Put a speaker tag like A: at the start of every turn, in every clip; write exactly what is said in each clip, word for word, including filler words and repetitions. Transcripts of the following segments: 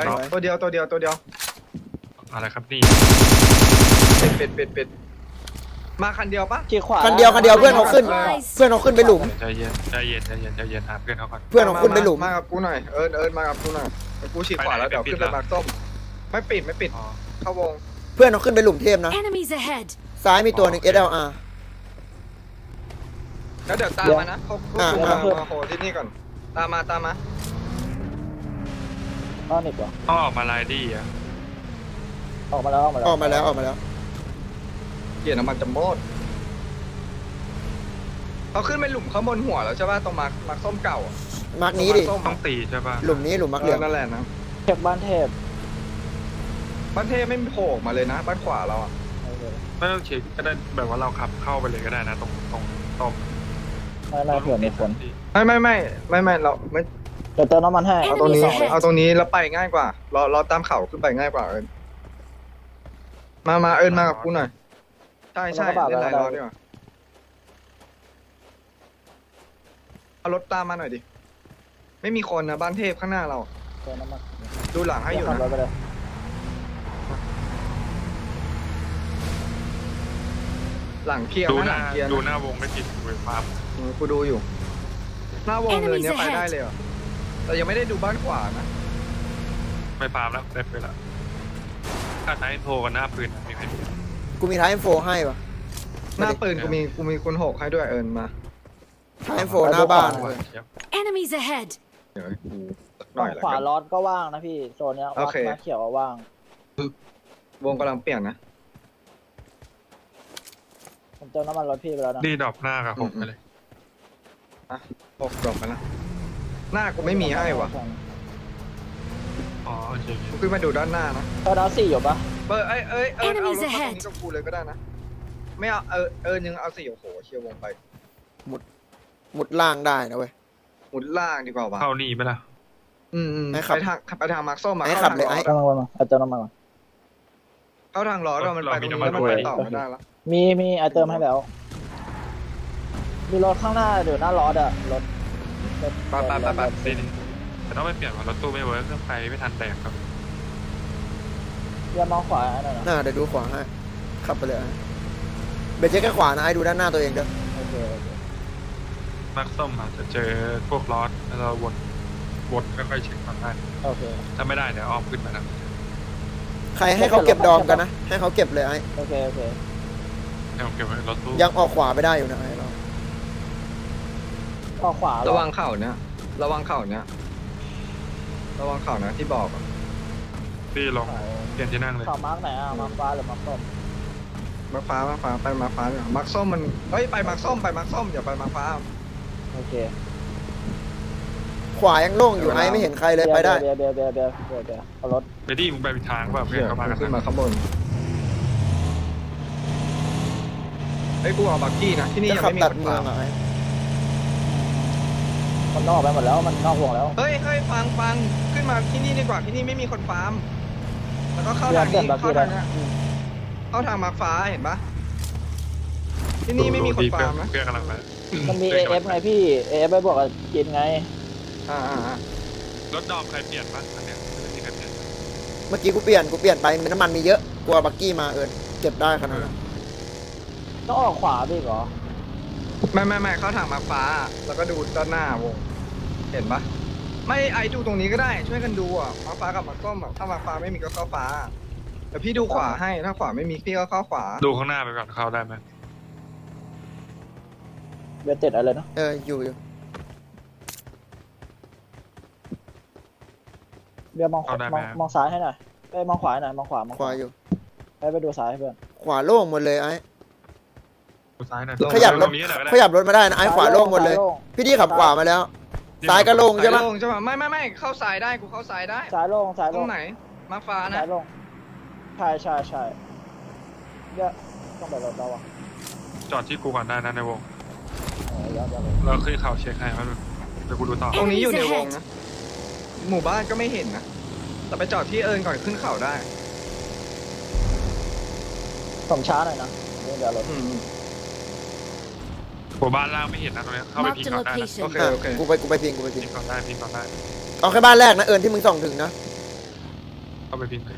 A: ตัวเดียวตัวเดียวตัวเดียว
B: อะไรครับนี่
A: เป็ดเป็ดเป็ดเป็ดมาคันเดียวปะ
C: ขี่ขวา
D: คันเดียวคันเดียวเพื่อนเขาขึ้น เพื่อนเขาขึ้นไปหลุม
B: ใจเย็นใจเย็นใจเย็นใจเย็นหาเพื่อนเขาก่อน
D: เพื่อนเขาขึ้นไปหลุม
A: มากับกูหน่อยเอิญเอิญมากับกูหน่อยกูฉีกขวาแล้วเดี๋ยวขึ้นไปมาส้มไม่ปิดไม่ปิดเข้าวง
D: เพื่อนเขาขึ้นไปหลุมเทพนะ
E: Enemies ahead.
D: ซ้ายมีตัวหนึ่ง เอส แอล อาร์
A: แล้วเดี๋ยวตามมานะเขาเขามามาโหที่นี่ก่อนตามมาตามมา
C: อ้อนิดวะ
B: ต้องออกมาไลดี้อ่ะ
C: ออกมาแล้วออกมาแล้ว
D: ออกมาแล้วออกมาแล้ว
A: เกียร์น้ำมันจะหมดเขาขึ้นไปหลุมข้างบนหัวแล้วใช่ป่ะตรงมาร์คมาร์คส้มเก่า
D: มาร์กนี้ดิ
B: ต้องตีใช่ป่ะ
D: หลุมนี้หลุมมาร์กเหลือง
A: นั่นแหละนะ
C: เช็คบ้านเทพ
A: บ้านเทพไม่โผล่มาเลยนะบ้านขวาเราอ่ะ
B: ไม่ต้องเช็คก็ได้แบบว่าเราขับเข้าไปเลยก็ได้นะตรงตรงตรง
C: ไม่ไม่เผื่อมีคน
A: ไม่ไม่ไม่ไม่ไม่เราไม่
C: เดี๋ยวเติมน้ำมันให้
A: เอาตรงนี้เอาตรงนี้แล้วไปง่ายกว่าเราเราตามเข่าขึ้นไปง่ายกว่าเอิญมามาเอิญมากับกูหน่อยใช่ใช่เล่นหลายรอบดีกว่าเอารถตามมาหน่อยดิไม่มีคนนะบ้านเทพข้างหน้าเรา
C: เติมน้ำมัน
A: ดูหลังให้อยู่
C: ขับ
A: นะ
C: รถไปเลย
A: หลังเคลียร์
B: ดู
A: นะ
B: ห
A: หลั
B: น้าง
A: เคลียร์
B: ดู
A: นะ
B: หน้าวงไม่ผิดเว้ยครับ
A: เออกูดูอยู่ หน้าวงเนินเนี้ยไปได้เลยเหรอแต่ยังไม่ได้ดูบ้านขวานะ
B: ไม่ปาล์มแล้วได้ไปแล้วถ้าใช้โทรกันหน้าปืนมีใครดู
D: กูมีท้าย เอ็ม โฟร์ ให้ปะ
A: หน้าปืนกูมีกูมีคุณหกให้ด้วยเอิญมา
D: ท้าย เอ็ม โฟร์ หน้าบ้าน
E: Enemies ahead.
A: เดี๋ยวให้กูสักห
C: ฝั่
A: น่อง ยละ
C: ขวา
A: กัน
C: ล้อก็ว่างนะพี่โซนเนี้ย
A: โอ
C: วัด
A: เค
C: มาเขียวว่าง
A: วงกำลังเปลี่ยนนะ
C: ผมเติมน้ำมันรถพี่ไปแล้วนะ
B: นี่ดรอปหน้ากับผมไปเลย
A: หกดรอปไปแล้วหน้ากูไม่มีให้ว่ะ
B: อ๋อโอเค
A: กูขึ้นมาดูด้านหน้านะ
C: เติมน้ำสี่อยู่ปะ
A: เปิดเอ้ยเอ้ยเอิญเอารถ
E: Enemies
A: มาตรง
E: ahead
A: นี้กับกูเลยก็ได้นะไม่เอาเออเอิญยังเอาสี่โอ้โหเชียร์วงไป
D: มุดล่างได้นะเว้ย
A: หมุนล่างดีกว่าว่ะ
B: เข้านี่ไปละ
A: อืมอืม
D: ให้ขับ
A: ไปทางไปทางมาร์คส้มมา
D: ให้
A: เข้า
D: ขับ
A: ทาง
D: เลย
A: ล้อ
D: ไอ้
C: กำลังมาเอาเติมน้ำมันก่อน
A: เข้าทางล้อเรามันไปตรงนี้แล้วมันไปต่อไม่ได้แล้ว
C: มีมีเอาเติมให้แล้ว มีรถข้างหน้าเดี๋ยวหน้าล้ออะรถรถ
A: ไปไปไปไป
B: ดีดีแต่ต้องไปเปลี่ยนว่ารถตู้ไม่เวิร์กเครื่องไฟไม่ทันแตกครับ
C: อย่ามองขวาอันนั้นนะ
D: หน้าเดี๋ยวดูขวาให้ ขับไปเลยไอ้เบรกเช็คแค่ขวานะไอ้ดูด้านหน้าตัวเองเด้อ
C: โอเคโอเค
B: มาร์คส้มอาจจะเจอพวกล้อแล้วเราวนวนค่อยๆเช็คก่อนได้
C: โอเค
B: ถ้าไม่ได้เดี๋ยวอ้อมขึ้นมานะ
D: ใครให้เขาเก็บดอมกันนะ ให้เขาเก็บเลยไอ้
C: โอเคโอเค
B: ให้ผมเก็บไว้รถตู้
D: ยังออกขวาไปได้อยู่นะไอ้เรา
C: ออกขวา
A: ระวังเข่าเนี้ยระวังเข่าเนี้ยระวังเข่านะที่บอกอะ
B: พี่ลองเปลี่ยนที่นั่งเลย
C: ข่าวมาร์กไหนอ่ะมาร์กฟ้าหรือมาร์กส้ม
A: มาฟ้ามาฟ้าไปมาฟ้าดีกว่ามาร์คส้มมันเฮ้ยไปมาร์คส้มไปมาร์คส้มอย่าไปมาร์คฟ้า
C: โอเค
D: ขวายังโล่งอยู่ไอ้ไม่เห็นใครเลยไปได้
C: เบียร์เบียร์เบียร์เบียร์เบียร์เบียร์เอารถ
B: ไปดิมึงไปผิดทางเปล่าเพื่อ
A: เหี้
B: น
A: ย
B: เขามากัน
A: ขึ้นมาข้างบนไอ้ยกูเอาบักกี้นะที่นี่
D: จะ
A: ยัง
D: ขับ
A: ไม่มี
D: ตัด
A: คน
D: เมือ
A: ฟาง ร์ม
D: อะไอ้
C: มันนอกไปหมดแล้วมันนอกห่วงแล้ว
A: เฮ้ยเฮ้ยฟังฟังขึ้นมาที่นี่ดีกว่าที่นี่ไม่มีคนฟาร์มแล้วก็เข้า
C: เบีย
A: ทาง
C: ร์เปลี่ย
A: นี้
C: นบัก
A: เข้า
C: กี้ได้
A: ทางเนี้ยเข้าทางมาร์คฟ้าเห็นปะที่นี่ไม่มีคนฟาร์มนะ
B: เพื่อนกำลังไป
C: มันมี เอ เอฟ ไงพี่ เอ เอฟ ไปบวกกับกินไง
A: อ่าอ่าอ่าร
B: ถดอมใครเปลี่ยนปะอันเนี้ยไม่มีใครเปลี่ยน
D: เมื่อกี้กูเปลี่ยนกูเปลี่ยนไปมีน้ำมันมีเยอะกลัวบักกี้มาเอิญเก็บได้ขนาดนั้น
C: ต้องออกขวาพี่เหรอ
A: ไม่ไม่ไม่เข้าทางมาร์คฟ้า แล้วก็ดูด้านหน้าวงเห็นปะไม่ไอดูตรงนี้ก็ได้ช่วยกันดูอ่ะมาร์คฟ้ากับมาร์คส้มอ่ะถ้ามาร์คฟ้าไม่มีก็เข้าฟ้าแต่พี่ดูขวาให้ถ้าขวาไม่มีพี่ก็เข้าขวา
B: ดูข้างหน้าไปก่อนเข้าได้ไหม
C: เบียร์เจ็ดอะไรนะ
D: เอออยู่อยู่
C: เบียร์มองขวามองมองซ้ายให้หน่อยไปมองขวาให้หน่อยมองขวามอง
D: ขวาอยู่
C: ไปไปดูซ้ายให้เพื่อน
D: ขวาโล่งหมดเลยไอ้
B: ดูซ้ายหน่อย
D: ขยับร
B: ต
D: ถ
B: รงนี้หน่อยก็ได้
D: ขยับรถมาได้นะไอ้ขวาโล่งหมดเลย
C: ซ้าโง
D: พี่ดีขับขวามาแล้ว ซ้ายก็โล่ง
A: ใช่
D: ใช่
A: ไหม
D: ปะ
A: ใช่ปะไม่ไม่ไม่เข้าซ้ายได้กูเข้าซ้ายได้
C: ซ้ายโล่งซ้าย
A: ตร
C: โล่ง
A: งไหนมาร์คฟ้านะ
C: ซ้ายโล่งใช่ใช่ใช่เบียร์ต้องไปรถเราอ่ะ
B: จอดที่กูก่อนได้นะในวง
C: เออเดี๋ยวเดี๋ยว
B: เราขึ้นเขาเช็คให้มันเดี๋ยวกูดูต่อ
A: ตรงนี้อยู่ในวงนะหมู่บ้านก็ไม่เห็นนะแต่ไปจอดที่เอิญก่อนขึ้นเขาได้
C: ผมช้าหน่อยนะเดี๋ยวเดี๋ยวรถ
A: อืม
B: หัวบ้านล่างไม่เห็นนะตรงนี้เข้าไปพิง
E: Marked a
B: ก่อนได้นะ
E: location.
A: โอเค
D: อ่ะ
A: โอเค
D: กูไปกูไปพิงกูไปพิ
B: พิ
D: ง
B: งก่อนได้พิงก่อนได้
D: เอาแค่บ้านแรกนะเอิญที่มึงส่องถึงนะ
B: าไปพิงเลย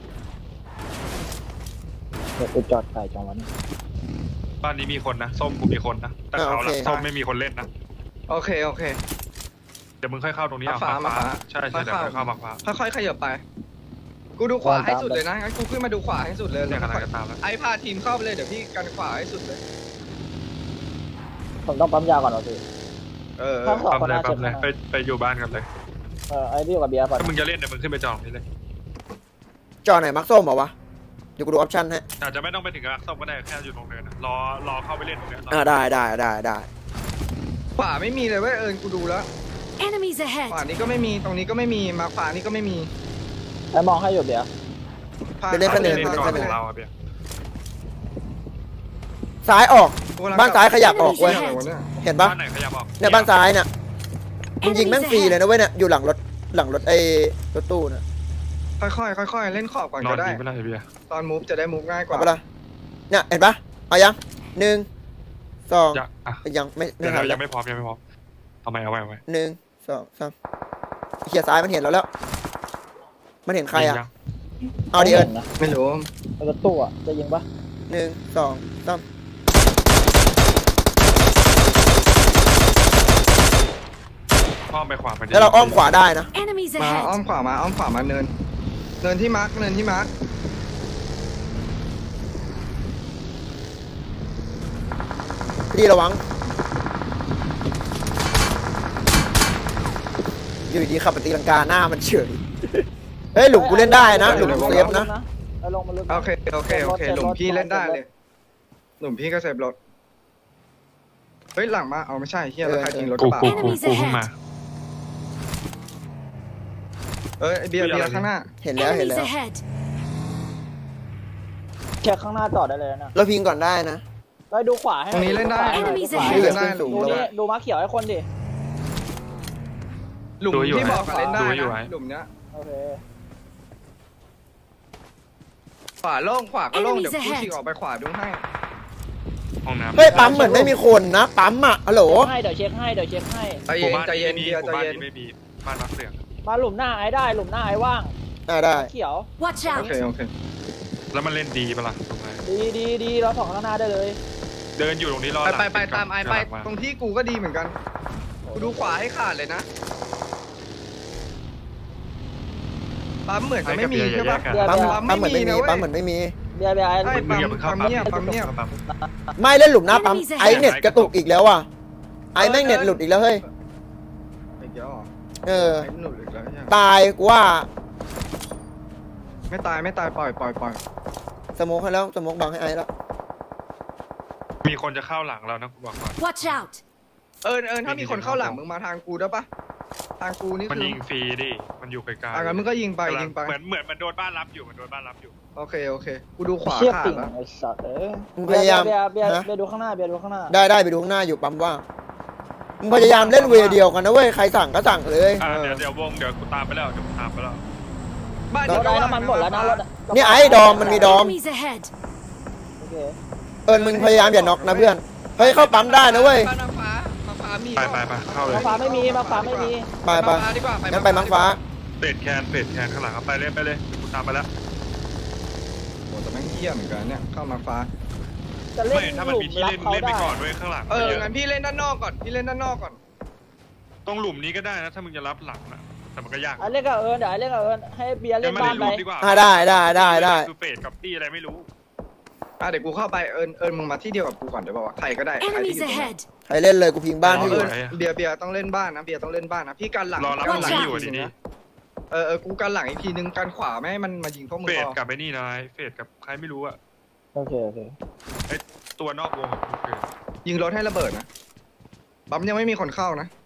C: เดี๋ยวกูจอดไก่จังวันนี้
B: บ้านนี้มีคนนะส้มกูมีคนนะแต่เขาหลังส้มไม่มีคนเล่นนะ
A: โอเคโอเค
B: เดี๋ยวมึงค่อยเข้าตรงนี้เอา
A: มาฟ้ามาฟ้า
B: ใช่ใช่เดี๋ยวค่อยเข้ามาฟ้า
A: ค่อยๆขยับไป กูดูขวาให้สุดเลยนะงั้นกูขึ้นมาดูขวาให้สุดเลย
B: เนี่ย
A: แล้ว
B: กำลังจะตามแล้ว
A: ไอ้พาทีมเข้าไปเลยเดี๋ยวพี่กันขวาให้สุดเลย
C: ผมต้องปั๊มยาก่อนเหรอพี่
A: เออ
C: ครับ
B: ปั๊มเลยปั๊มเลยไปไปอยู่บ้านกันเลย
C: เออไอ้ที่อยู่กับเบียร์ก่อน
B: ถ้ามึงจะเล่นเดี๋ยวมึงขึ้นไปจองนี่เลย
D: จอไหนมักส้มเหรอวะเดี๋ยวกูดูออปชั่นให้
B: อาจจะไม่ต้องไปถึงกับส้มก็ได้แค่อยู่ตรงเนินนะรอรอเข้าไปเล่นตรงเนี้ย
D: อ่าได้ได้ได้ได้
A: ขวาไม่มีเลยเว้ยเอิญกูดูแล้ว
E: Enemies
A: ขวา
E: ahead!
A: นี้ก็ไม่มีตรงนี้ก็ไม่มีมาขวานี้ก็ไม่มี
C: ไอ้มองให้อยู่เบียร์
A: พา
D: ไปเล่น
B: ไป
D: คะแน
B: เล่
D: น
B: น
D: ไป
B: ก่อน
D: เล่น
B: ข
D: คะแน
B: อน งเราอะเบียร์
D: ซ้ายออกบ้านซ้ายขยับออกเว้ย
A: เหี้ยอะไรวะเนี่ย
D: เห็นปะ
B: บ้านไหนขยับออก
D: เนี่ยบ้านซ้ายเนี่ยมึงยิงแม่งฟรีเลยนะเว้ยเนี่ยอยู่หลังรถหลังรถไอ้รถตู้น่ะ
A: ค่อยๆค่อยๆเล่นขอบก่อน
B: นอ
A: ก็
B: น
A: ได้
B: ดีไม่ได้เบียร์
A: ตอนมูฟจะได้มูฟง่ายก
D: เอา
A: ว่า
D: ปะล่ะเนี่ยเห็นปะเอายังหนึ่งสอง
B: จะอ่ะ
D: ยังไม่ไม่
B: เดี๋ยว
D: ทัน
B: เรา
D: แล้
B: ยั
D: ว
B: งไม่พร้อมยังไม่พร้อมเอาไว้เอาไว้เอาไว้
D: หนึ่งสองสามเขียซ้ายมันเห็นเราแล้ว มันเห็นใครอ่ะ
B: ยัง
D: เอาดิเอิญ
C: นะ
A: ไม่รู้
C: ไอ้รถตู้อ่ะจะยิงปะ
D: หนึ่งสองสาม
B: อ้อมไปขวามัน
D: แล้วเราอ้อมขวาได้นะ
E: Enemies
A: มาอ้อ
E: ahead!
A: มขวามาอ้อมขวามาเนิน เนินที่มาร์กเนินที่มาร์ก
D: พี่ระวังอยู่ดีๆขับไปตีลังกาหน้ามันเฉยเฮ้ยหลุมกูเล่นได้นะหลุมกูเซฟนะ
C: ไอ้ลงมาลึก
A: โอเคโอเคโอเคหลุมพี่เล่นได้เลย หลุมพี่ก็เซฟรถเฮ้ยหลังมาเอาไม่ใช่เฮียแล้วใครยิงรถก
B: กู
A: ระบะ
B: กูกูกูเพิ่งมา
A: เอ้ยไอ้เบียร์เบียร์ข้างหน้า
D: เห็นแล้วเห็น
E: Enemies
D: แล้ว
E: ahead!
C: เช็คข้างหน้าจอดได้เลยนะ
D: เราพิงก่อนได้นะ
C: ไปดูขวาให้
A: ตรงนี้เล่นได้
E: Enemies
A: ตรง
E: ahead
A: นี้เล่นได้ห
D: สู
A: ลุม
D: ง
C: ดู
A: ระ
C: นี่
A: บะ
C: ดูม้าเขียวให้คนดิ
A: หลุมที่บอกอะเล่นได้
B: ดูอยู่
A: นะ
B: ไว้
A: หลุมเนี้ย
C: โอเค
A: ขวาโล่งขวาก็โล่ง
E: Enemies
A: เดี๋ยวกู
E: ahead
A: ฉีกออกไปขวาดูให้
B: ห้องน้ำ
D: เฮ้ยปั๊มเหมือนไม่มีคนนะปั๊มอ่ะฮัลโหล
C: ให้เดี๋ยวเช็คให้เดี๋ยวเช็คให้
A: ใจ
B: ห
A: เย็
B: มู่
A: น
B: บ้าน
A: ใจเย็น
B: นี้
A: เบียร์
B: ห
A: ใจ
B: มู่บ้าน
A: เย็น
B: นี้ไม่มีบ้านรักเสียง
C: มาหลุมหน้าไอ้ได้หลุมหน้าไอ้ว่าง
D: อ่าได้
C: เขียว
E: Watch
A: โอ
E: out!
A: เคโอเค
B: แล้วมันเล่นดีปะล่ะตรงไหน
C: ดีดีดีเราสองข้างหน้าได้เลย
B: เดินอยู่ตรงนี้รอ
A: ไป
B: หลัง
A: ไปไป
B: ติดกับ
A: ตามไอไป
B: หลังมา
A: ตรงที่กูก็ดีเหมือนกัน กูดูขวาให้ขาดเลยนะ ปั๊มเหมือนจะไม่มีใช่ปะ
C: เดี๋ยว
D: ปั๊ม
C: เดี๋ยว
D: ปั๊มเหมือนไม่มี
A: นะเว้ย
D: ปั๊มเหมือนไม่มี
C: เบียร์เบียร์ไอ้
A: ใช่
B: มึงอย่าเพิ่งเข้า
A: ปั๊
B: ปั๊ม
A: มเงียบปั๊มเงียบ
B: ปั๊ม
D: ไม่เล่นหลุมหน้าปั๊ม
E: Enemies ahead
D: ไอเน็ตกระตุกอีกแล้วอ่ะไอแม่งเน็ตหลุดอีกแล้วเฮ้ย
A: ไอ้เกียวเหรอ
D: เออ
A: ไอ้หนุนอีกแล้วใช่ไหม
D: ตายกูว่า
A: ไม่ตายไม่ตายปล่อยปล่อยปล่อย
D: สโมกให้แล้วสโมกบังให้ไอแล้ว
B: มีคนจะเข้าหลังเรานะกูบอกก่อน
E: Watch out!
A: เอิญเอิญถ้ามีคนเข้าหลังมึงมาทางกูได้ปะทางกูนี่
B: มัน
A: คือ
B: ยิงฟรีดิมันอยู่ไกลๆ
A: อ่ะงั้นมึงก็ยิงไปยิงไป
B: เหมือนเหมือนมันโดนบ้านรับอยู่มันโดนบ้านรับอยู่
A: โอเคโอเค กูดูขวา
C: เชี่ย
A: ขา
C: ปิ่
A: ด
C: ง
A: แล้ว
C: ไอ้สัตว์เอ้ย
D: มึงพยายาม
C: เบียร์เบียร์
D: นะ
C: เบียร์ดูข้างหน้าเบียร์ดูข้างหน้า
D: ได้ได้ไปดูข้างหน้าอยู่ปั๊มว่างมึงพยายามเล่นเวย์เดียวกันนะเว้ยใครสั่งก็สั่งเลย
B: อ่าเดี๋ยวเดี๋ยววงเดี๋ยวกูตามไปแล้วเดี๋ยวกูตามไปแล้ว
A: บ้าน
C: เรา
A: เดียว
C: ได้
A: ก็
C: น้ำมันหมดแล้วนะรถอะ
D: เนี่ยไอ้ดอมมันมีดอม
E: Enemies ahead!
C: โอเค
D: เอิญมึงพยายามอย่าน็อกนะเพื่อนเฮ้ยเข้าปั๊มได้นะเว้ย
A: บ้านน้ำฟ้ามาฟ้ามี
B: ไปไปไปเข้าเลย
C: มาฟ้าไม่มีมาฟ้าไม่มี
D: ไปไป
A: มาฟ้าดีกว่า
D: งั้นไปมังฟ้า
B: เฟดแคนเฟดแคนข้างหลังเอาไปเลยไปเลยกูตามไปแล้ว
A: โอ้แต่แม่งเหี้ยเหมือนกันเนี่ยเข้ามาฟ้า
C: จะเล่น
B: ไม่ถ้ามัน
C: หลุ
B: มี
C: ม
B: ที่
C: รับ
B: เล่น
C: เขา
B: เล่นไป
C: ได้
B: ก่อนเว้ยข้างหลัง
A: เออ
B: เยอะ
A: งั้นพี่เล่นด้านนอกก่อนพี่เล่นด้านนอกก่อน
B: ตรงหลุมนี้ก็ได้นะถ้ามึงจะรับหลังนะแต่มันก็ยาก
C: ไอ้เล่นกับเอิญเดี๋ยวไอ้เล่นกับเอิญให้เบียร์เล่
B: ยั
C: น
B: งไม่
C: บ้า
B: ได้
C: นไป
B: รูปดีกว่า
D: อ่าได้ได้ได้ได้
B: คือเฟดกับตี้อะไรไม่รู้
A: อ่ะเดี๋ยวกูเข้าไปเอิญเอิญมึงมาที่เดียวกับกูก่อนได้ป่าวะใครก็ได้ใครที่อ
E: Enemies
A: ยู่ตรงนี้
E: ahead!
D: ใครเล่นเลยกูพิงบ้านให้อยู่
A: เออเบียร์เบียร์ต้องเล่นบ้านนะเบียร์ต้องเล่นบ้านนะพี่กันหลัง
B: รอรับ
A: กันหลัง
B: หลังอยู่
A: กที
B: ดีๆ
A: นะเออเออกูกันหลังอีกทีนึงกันขวาไม่ให้มันมายิงพวกมึง
B: เฟด
A: พอ
B: กับไอ้นี่นายเฟดกับใครไม่รู้อะ
C: โอเคโอเค
B: ไอ้ตัวนอกวงของกูเฟด
A: ยิงรถให้ระเบิดนะปั๊มยังไม่มีคนเข้านะ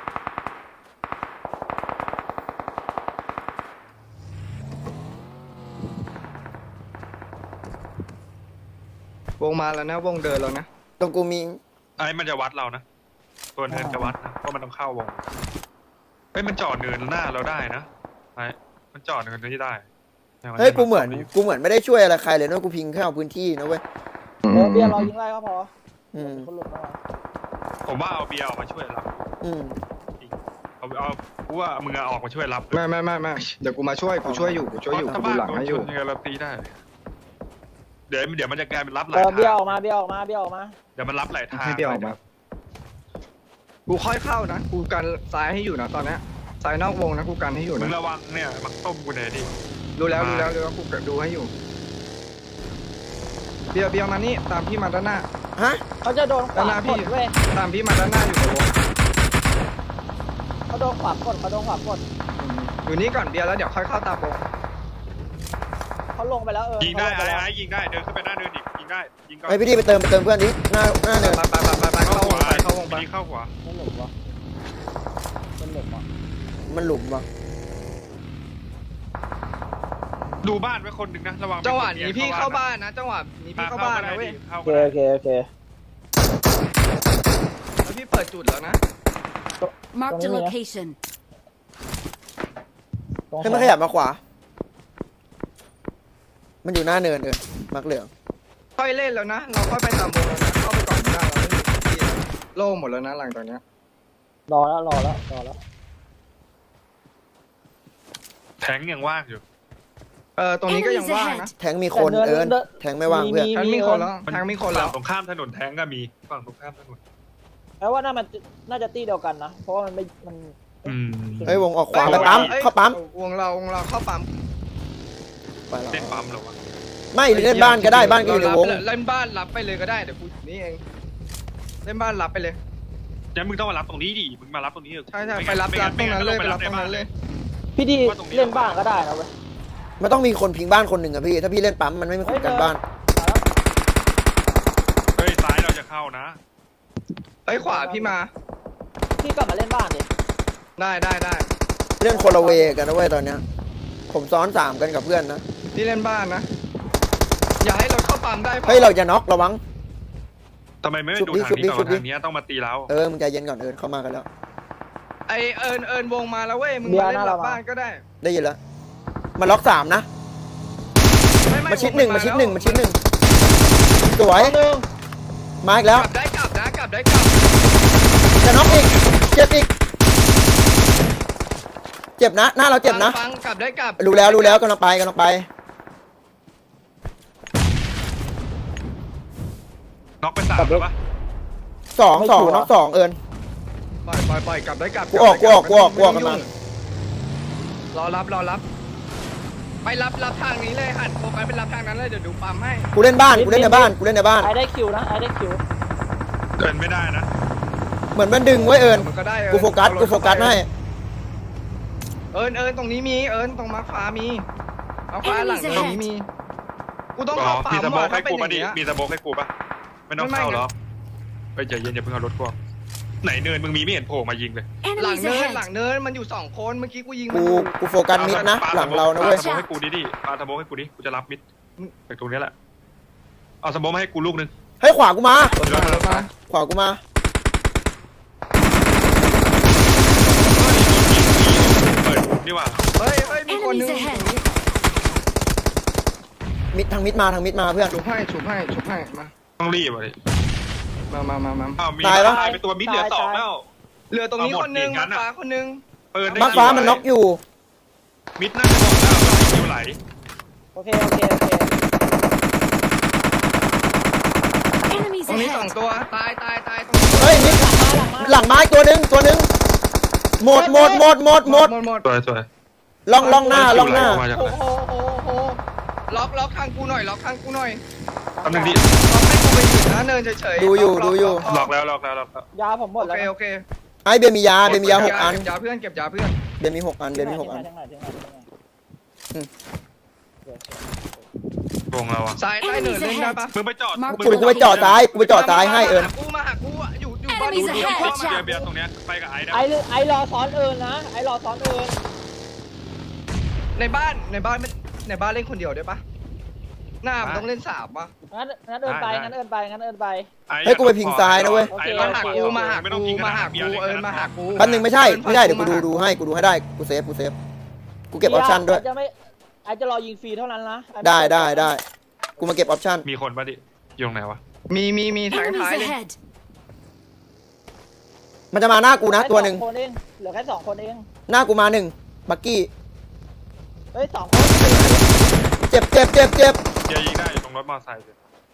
A: วงมาแล้วนะวงเดินแล้วนะ
D: ตรงกูมี
B: ไอ้มันจะวัดเรานะตัวเนินจะวัดนะเพราะมันต้องเข้าวงเฮ้ยมันจอดเนินหน้าเราได้นะไอ้มันจอดเนินนี้ได้
D: เฮ้ยกูเหมือนกูเหมือนไม่ได้ช่วยอะไรใครเลยนะกูพิงแค่เอาพื้นที่นะเว้ย
C: เออเบียร์เรายิงไล่ก็พอ
D: อืม
C: คนหลุดมา
B: ผมว่าเอาเบียร์ออกมาช่วยเรา
D: อืม
B: เอาเอากูว่ามึงอะออกมาช่วยรับ
A: ไม่ไม่ไม่ไม่เดี๋ยวกูมาช่วยกูช่วยอยู่กูช่วยอยู่
B: ถ้า
A: กู
B: บ้าน
A: หลัง
B: โดน
A: ให้อ
B: ช
A: ยู่
B: นยังไงเราตีได้ เดี๋ยวเดี๋ยวมันจะกลายเป็นรับห
C: เอ
B: ลาย
C: อเบี้ยว
B: ทา
C: อง อกมาเบี้ยวออกมาเบี้ยวออกมา
B: เดี๋ยวมันรับหลายทาง
A: ให้เบี้ยวออกมากูค่อยเข้านะกูกันซ้ายให้อยู่นะตอนเนี้ยซ้ายนอกวงนะกูกันให้อยู่
B: มึง
A: นะ
B: ระวังเนี่ยมันต้มกูหน่อยดิ
A: รู้แล้วรู้แล้วรู้แล้วกูดูให้อยู่เบียร์เบียร์มานี่ตามพี่มาด้านหน้า
D: ฮะ
C: เขาจะโดนขวา
A: ด้านหน้าก พี่
C: ดเว้ย
A: ตามพี่มาด้านหน้าอยู่ในวง
C: เขาโดนขวากดเขาโดนขวากด
A: อืมอยู่นี่ก่อนเบียร์แล้วเดี๋ยวค่อยเข้าตามวง
C: เขาลงไปแล้วเออ
B: ยิงได้
C: เขาล
B: ไอ้
C: ปแล้ว
B: ไอ้ยิงได้เดินขึ้นไปหน้าเนินอีกยิงได้ยิงก่อน
D: ไอพี่ดีไปเติมไปเติมเพื่อนดิหน้าหน้าเนิน
A: ไปไปไปไปไปเข้าวงไปเข้าวงไป
B: ยิงเข้าหัว
C: ไม่หลุมวะเป็นหลุมวะ
D: มันหลุมว่ะ
B: ดูบ้านไว้คนหนึ่งนะระวัง
A: จังหวะนี้พี่เข้าบ้านนะจังหวะนี้พี่เข้าบ้านนะเว้ย
B: เข้า
C: โอเค
B: ก็ได้
C: โอเคโอเค
A: แล้วพี่เปิดจุดแล้วนะ
E: Marked a
C: Come here.
E: location.
C: ตรง
D: ให้มันขยับมาขวา มันอยู่หน้าเนินเออมักเหลือง
A: ค่อยเล่นแล้วนะเราค่อยไปตามวงแล้วนะเข้าไปก่อนไม่ได้เราไม่มีที่โล่งหมดแล้วนะหลังจากเนี้ย
C: รอแล้วรอแล้วรอแล้ว
B: แทงยังว่างอยู่
A: เออตรงนี้ก็ยังว่างนะ
D: แทงมีคนเอิญแทงไม่ว่างเพื่อน
A: ทางมีคนแล้วทางมีคนแล้
B: ฝั่
A: ว
B: งตรงข้ามถนนแทงก็มีฝั่งตรงข้ามถนน
C: แปลว่าน่ามันน่าจะตีเดียวกันนะเพราะว่ามันไม่มัน
B: อืม
D: เฮ้ยวงออกขวาไปปั๊มเข้าปั๊ม
A: วงเราวงเราเข้าปั๊ม
D: ไปแล้ว
B: เล่นปั๊มเหรอวะ
D: ไม่เล่นบ้านก็ได้บ้านก็อยู่ในวง
A: เล่นบ้านรับไปเลยก็ได้เดี๋ยวกูนี่เองเล่นบ้านรับไปเลย
B: งั้นมึงต้องมารับตรงนี้ดิมึงมารับตรงนี้เถอะ
A: ใช่ใช่ไปรับรับตรงนั้นเลยไปรับตรงนั้นเลย
C: พี่ดีเล่นบ้างก็ได้นะเว้ย
D: มันต้องมีคนพิงบ้านคนหนึ่งอะพี่ถ้าพี่เล่นปั๊มมันไม่มีคนกันบ้าน
C: มาแล้ว
B: เฮ้ยซ้ายเราจะเข้านะ
A: เอ้ยขวาพี่มา
C: พี่กลับมาเล่นบ้านดิ
A: ได้ได้ได้
D: เล่นคนละเวกันนะเว้ยตอนเนี้ยผมซ้อนสามกันกับเพื่อนนะ
A: พี่เล่นบ้านนะอย่าให้รถเข้าปั๊มได้พอ
D: เฮ้ยเราจะน็อกระวัง
B: ทำไมไม่
D: ชุบ
B: ดู
D: ดิ
B: ทาง
D: ชุบดิ
B: นี้ก่อน
D: ชุบดิ
B: ทางนี้ต้องมาตีเรา
D: เออมึงใจเย็นก่อนเอิญเข้ามากันแล้ว
A: ไอเอิญเอิญวงมาแล้วเว้ยมึงมาเล่นหลังบ้านก็ได้
D: ได้ยินแล้วมาล็อกสามนะ
A: ไไ
D: มาชิดหนึ่ง
A: ว
D: มาชิด
A: แล้ว
D: หนึ่งมาชิดหนึ่งสวย
C: หนึ่ง
D: มาอีกแล้ว
A: กลับได้กลับนะกลับได้กลับ
D: จะน็อกอีกเจ็บอีกเจ็บนะหน้าเราเจ็บนะ
A: ฟังฟังกลับได้กลับ
D: รู้แล้วรู้แล้วกำลังไปกำลังไป
B: น็อกไปสามแล้วปะ
D: สองสองน็อกสองเอิญ
A: ปล่อยปล่อยปล่อยกลับได้กลับ
D: กูออก
A: ลับได้
D: กูออกกูออก
A: ไม่ต้ง
D: กูออก
A: ยุ่งรอรับรอรับ ไปรับรับทางนี้เลยหันโฟกัสไปรับทางนั้นเลยเดี๋ยวดูปั๊มให้
D: กูเล่นบ้านกูเล่นในบ้านกูเล่นในบ้าน
C: ไอได้คิวนะไอได้คิว
B: เดินไม่ได้นะ
D: เหมือนมันดึงไว้เอิญ
A: มันก็ได้เอิญ
D: กูโฟกัส
A: เอารถ
D: กูโฟกัส
A: เข้าไป
D: ให้
A: เอิญเอิญตรงนี้มีเอิญตรงมาฟ้ามีเอาฟ้าหลัง
E: Enemies
A: ตรงนี้มีกูต้อง
B: อ๋อ
A: เข้าปั๊
B: มี
A: ม
B: สโม
A: ว่ะ
B: กให้
A: ถ้าเป็น
B: กู
A: อ
B: มา
A: ย่าง
B: ดิ
A: เงี้ย
B: มีสโมกให้กูปะไม่ต้อง
A: ไม่
B: เข้า
A: ไม่
B: หรอไปใจเย็นอย่าเพิ่งเอารถกูออกไหนเนินมึงมีไม่เห็นโผล่มายิงเลย
A: หลัง
E: Enemies
A: เนินหลั
E: ahead.
A: งเนินมันอยู่สองคนเมื่อกี้กูยิงมั
D: กู
A: นอยู่
D: กูโฟกัสมิดนะหลังเรานะเว้ย
B: ปาสโมกให้กูดิดิปาสโมกให้กูดิกูจะรับมิดจากตรงนี้แหละเอาสโมกมาให้กูลูกนึง
D: ให้ขวากูมา
A: รถมารถมา
D: ขวากูมา
B: เปิดนี่ว่า
A: เฮ้ยเฮ้ยมีคนนึง
E: Enemies ahead
D: มิดทางมิดมาทางมิดมาเพื่อน
A: ฉุบให้ฉุบให้ฉุบให้มา
B: ต้องรีบอ่ะดิ
A: มามามามา
B: อ้าวมี
D: ตายปะ
B: ตายเป็นตัวมิดเหลือสองแล้ว
A: เหลือตรงนี้
B: เอาหมด
A: คนนึง
B: อีกงั้
A: มาน
B: อะ
A: ฟ้าคนนึง
B: เปิดได้
D: บ้านฟ้ามันน็อกอยู่
B: มิดน่าจะหมดแล้วคิวไหล
C: โอเคโอเคโอเค
E: Enemies
A: ตรงนี้สอง
E: ahead.
A: ตัวตายตายตายตรงนี้
D: เฮ้ยมิด
C: หลังมาหลังมา
D: หลังไม้ตัวหนึงตัวหนึงหมดหมดหมดหมดหมด
A: หมดหมด
B: สวยสวย
D: ล่องล่องหน้าล่องหน้า
B: คิวไมาจาก
A: โอ้
B: ไหน
A: โหโอ้โหล็อกล็อกทางกูหน่อยล็อกทางกูหน่อย
B: ตำหนึ่งดิ
A: ล็อกให้กูไปอยู่นะเนินเฉยๆ
D: ดูอยู่
A: ล็ก
D: ดูอยู่
B: ล็อกแล้วล็อกแล้วล็อกแล้ว
C: ยาผมหม
A: โอ
C: ดแล้ว
A: เคโอเค
D: ไอเบียร์มียาเบียร์มียาหกอัน
A: เก็บยาเพื่อนเก็บยาเพื่อน
D: เบียร์มีหกอันเบียร์มีหกอัน
C: ทิ้งไหนทิ้งไหนทิ้งไหน
D: อืม
B: วงเราอ่ะ
A: ซ้ายใต้เนินเล่นได้ปะ
B: มึงไปจอด
E: Mark
B: มึง
D: กูกูไปจอดซ้ายกูไปจอดซ้ายให้เอิญ
A: กูมาหากูอะอยู่อยู่บ้าน
E: Enemies
A: ดูดู
E: ahead
A: พ่อมา
B: เบียร์เบียร์ตรงเนี้ยไปกับไอ้นะ
C: ไอไอรอซ้อนเอิญนะไอรอซ้อนเอิญ
A: ในบ้านในบ้านไม่ในบ้านเล่นคนเดียวได้ปะหน้ามันต้องเล่นสามปะ
C: งั้นงั้นเอิญไปงั้นเอิญไปงั้นเอิญไป
D: ให้กูไปพิงซ้ายนะเว้ย
B: ไอ้
A: มาหากูมาหา
B: ไม่ต้อง
A: กู
B: พิง
A: มาหา
B: บี
A: กู
B: ยร์
A: เอิญมาหากู
D: แป๊บนึงไม่ใช่ไม่ใช่เดี๋ยวกูดูดูให้กูดูให้ได้กูเซฟกูเซฟกูเก็บออปชั่นด้วย
C: ไอจะไม่ไอจะรอยิงฟรีเท่านั้นนะอ้ม่
D: ได้ได้ได้กูมาเก็บออปชั่น
B: มีคนปะดิอยู่ตรงไหนวะ
A: มีมีมีทาง
E: Enemies
A: ท้ายเลย
E: ahead.
D: มันจะมาหน้ากูนะตัวหนึ่ง
C: แค่สอคนเองเหลือแค่สองคนเอง
D: หน้ากูมาหนึ่งบักกี้
C: เฮ้ยสองคน
D: เจ็บเจ็บเจ็บเจ็บ
B: เดี๋ยวยิงได้อยู่ตรงรถมอเตอร์ไซค์เลย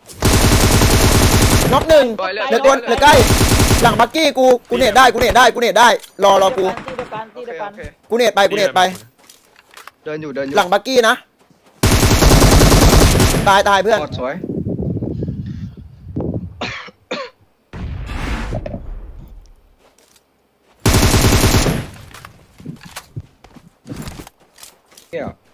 D: น็อกหนึ่ง
A: ปล่อยเลย
D: เหลือตัวเหลือใกล้หลังบักกี้กูกูเนตได้กูเนตได้กูเนตได้รอรอกู
C: ตีเดียวกัน
A: โอ
C: ตี
A: เค
C: เดียวกั
A: โอน เค
D: กูเนตไปกูเนตไป
A: เดินอยู่เดินอยู่
D: หลังบักกี้นะตายตายเพื่อน
A: หมดสวยเนี่ย